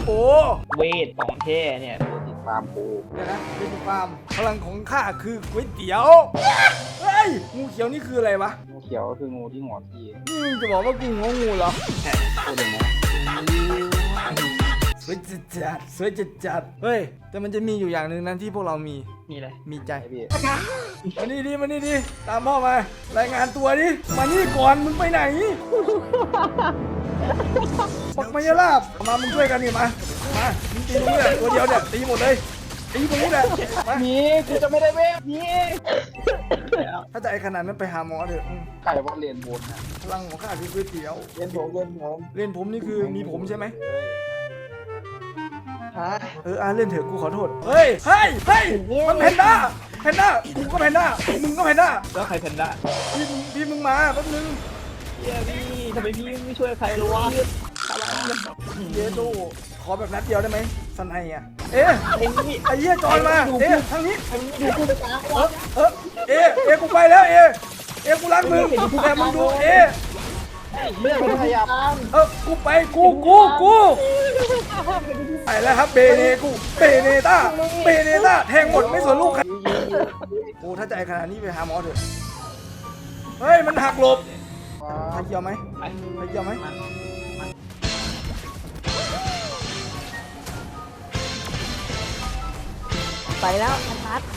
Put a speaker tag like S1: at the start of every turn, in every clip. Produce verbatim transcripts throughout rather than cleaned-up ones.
S1: โอ้
S2: เวทของแท้เนี่ยติดตามกู
S1: เดี๋ยวนะเบจิฟาร์มพลังของข้าคือก๋วยเตี๋ยวเฮ้ยงูเขียวนี่คืออะไรวะ
S2: งูเขียวก็คืองูที่หัวพี่
S1: นี่มึงจะบอกว่ากูงองูเหรอ
S2: ใช่พูดอย่างนี้
S1: สวยจัดจัดสวยจัดจัดเฮ้ยแต่มันจะมีอยู่อย่างหนึ่งนั้นที่พวกเรามี
S2: นี่เลย
S1: มีใจ
S2: ไอพี่
S1: มานี่ดิมานี่ดิตามพ่อมารายงานตัวดิมานี่ก่อนมึงไปไหนปักมายาลาบมามึงช่วยกันนี่มามามึงตีตรงนี้แหละตัวเดียวเนี่ยตีหมดเลยตีตรงนี้แหละมา
S2: มีกูจะไม่ได้เวฟมี
S1: ถ้าจะไอ้ขนาดนั้นไปหาหมอเถอะอืม
S2: ใครว่าเรียนบนนะ
S1: พลังของข้าคือก๋วยเตี๋ยว
S2: เรียนผมเรียนผม
S1: เล่นผมนี่คือมีผมใช่ไหม
S2: ฮะ
S1: เอออ่ะเล่นเถอะกูขอโทษเฮ้ยเฮ้ยเฮ้ยมันแพนด้าแพนด้ากูก็แพนด้ามึงก็แพนด้า
S2: แล้วใครแพนด้า
S1: พี่มึงพี่มึงมาแป๊บนึง
S2: เฮียพี่ทำไมพี่ไม่ช่วยใครเลยวะ
S1: เยโดขอแบบนัดเดียวได้ไหมสไนอ่ะเอ๊ะ
S2: ไอ้นี่
S1: ไอ้เหี้ยจอนมาเอ๊ะทางนี้
S2: ดูกูไปตาม
S1: เออเออเอ๊ะเอ๊ะกูไปแล้วเอ๊ะเอ๊ะกูรักมึงแต่มึงดูเอ๊ะ
S2: เรื่องมันพยายาม
S1: เออกูไปกูกูกูไปแล้วครับเบเนกูเบเนต้าเบเนต้าแทงหมดไม่สนลูกใครโอ้ถ้าใจขนาดนี้ไปหาหมอเถอะเฮ้ยมันหักหลบใครเกี่ยวไหมใครเกี่ยวไหม
S3: ไปแล้วอันพัด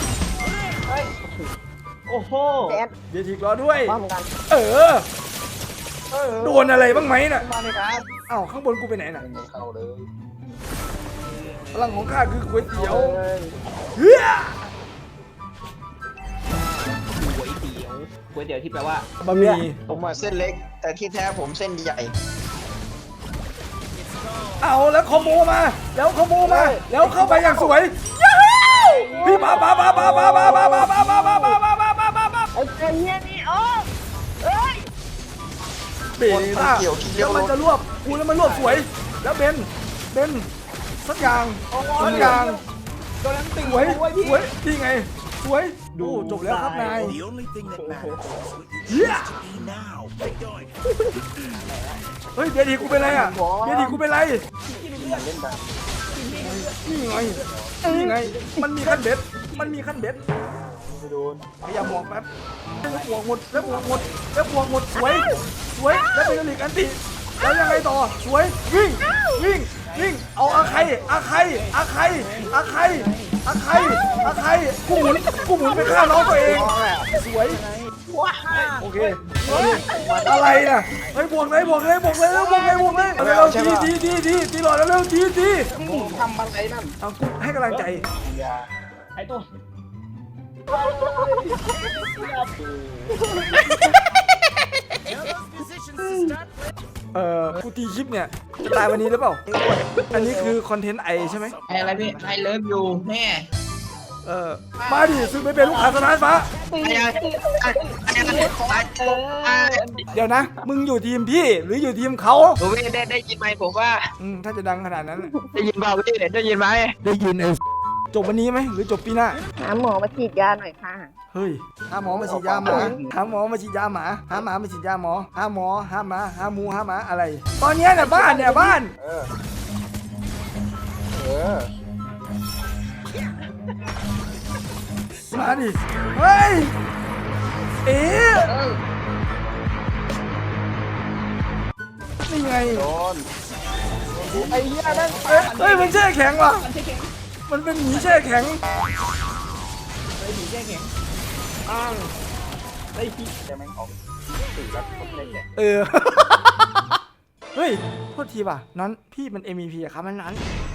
S2: โอ้โห
S3: แดด
S1: เดี๋ยวทีรอด้วย
S3: พร้อมกัน
S1: เออโดนอะไรบ้างไหมน่ะ
S2: มาเลยครับ
S1: เอ้าข้างบนกูไปไหนน่ะ
S2: ไม่เข้าเลย
S1: พลังของข้าคือก๋วยเตี๋ยว
S2: เฮ้ย
S1: เฮ้ย
S2: ก๋วยเตี๋ยวก๋วยเตี๋ยวที่แปลว่า
S1: บะหมี่
S4: ผมอะเส้นเล็ก แต่ที่แท้ผมเส้นใหญ่
S1: เอาแล้วคอมโบมา แล้วคอมโบมา แล้วเข้าไปอย่างสวยยูฮูพี่ปาปาปาปาปาปาปาปาปาปาปาปาปาปาปาปาปา
S3: ไอ้เจ้าเฮียนี่โอ้เอ้ย
S1: เบนต้าแล้วมันจะรวบกูแล้วมันรวบสวย แล้วเบนเบนสักอย่างสักอย่าง
S2: โดนนั้นตึง
S1: สวย
S2: ไว้พี่
S1: สวยนี่ไงสวยดูจบแล้วครับนาย
S5: The only thing that matters is what you
S1: เฮีย
S5: choose to be now. Keep going.
S1: เฮ้ยเบียดีกูเป็นไรอ่ะเบียดีกูเป็นไร
S2: เล่นแบบ
S1: นี่ไงนี่ไงมันมีขั้นเบ็ดมันมีขั้นเบ็ด
S2: ไม่โดน
S1: พยายามมองแป๊บแล้วบวกหมดแล้วบวกหมดแล้วบวกหมดสวยสวยแล้วเป็นลิกอันติแล้วยังไงต่อสวยวิ่งวิ่งวิ่งเอาอาใครอาใครอาใครอาใครอาใครอาใครกูหมุนกูหมุนไปฆ่าน้องตัวเองสวยโอเคอะไรน่ะเฮ้ยบวกเลยบวกเลยบวกเลยแล้วบวกเลยบวกเลยเร็วทีทีทีทีทีหลอดแล้วเร็วทีที
S2: ทำอะไรนั่น
S1: เอากูให้กำลังใจ
S2: ยาไอ้ตัว
S1: เอ่อกูตีคลิปเนี่ยจะตายวันนี้หรือเปล่าอันนี้คือคอนเทนต์ไอใช่ไหม
S4: ไออะไรพี่ไอเลิฟยูแม่
S1: เออมาดิซื้อไปเป็นลูกค้าสถานฟ้า
S4: ไอไอไอไอ
S1: เดี๋ยวนะ มึงอยู่ทีมพี่หรืออยู่ทีมเขา
S4: ผมไม่ได้ได้ยินไหมผมว่า
S1: อืมถ้าจะดังขนาดนั้น
S4: ได้ยินเปล่าพี่ได้ยินไหม
S1: ได้ยินเอจบวันนี้ไหมหรือจบปีหน้า
S3: หาหมอมาฉีดยาหน่อยค่ะ
S1: เฮ้ยหาหมอมาฉีดยาหมาหาหมอมาฉีดยาหมาหาหมามาฉีดยาหมอหาหมอหาหมาหาหมูหาหมาอะไร ตอนเนี้ยเนี่ยบ้านเนี่ยบ้าน
S2: เออเออ
S1: มาดิเฮ้ยเอ๊ะนี่ไง
S2: โดนไอ้เหี้ยนั่น
S1: เอ้ยเฮ้ยมันแช่แข็งว่ะมันเป็นหมีแช่แข็ง
S2: ไอ้ผีแก้แข็งอ้างไอ้ผีแต่แม่งออกสื่อแล้วคนเล่นแหละ
S1: เออ เฮ้ย โทษทีป่ะนั้นพี่มัน เอ็ม วี พี อะครับมันนั้น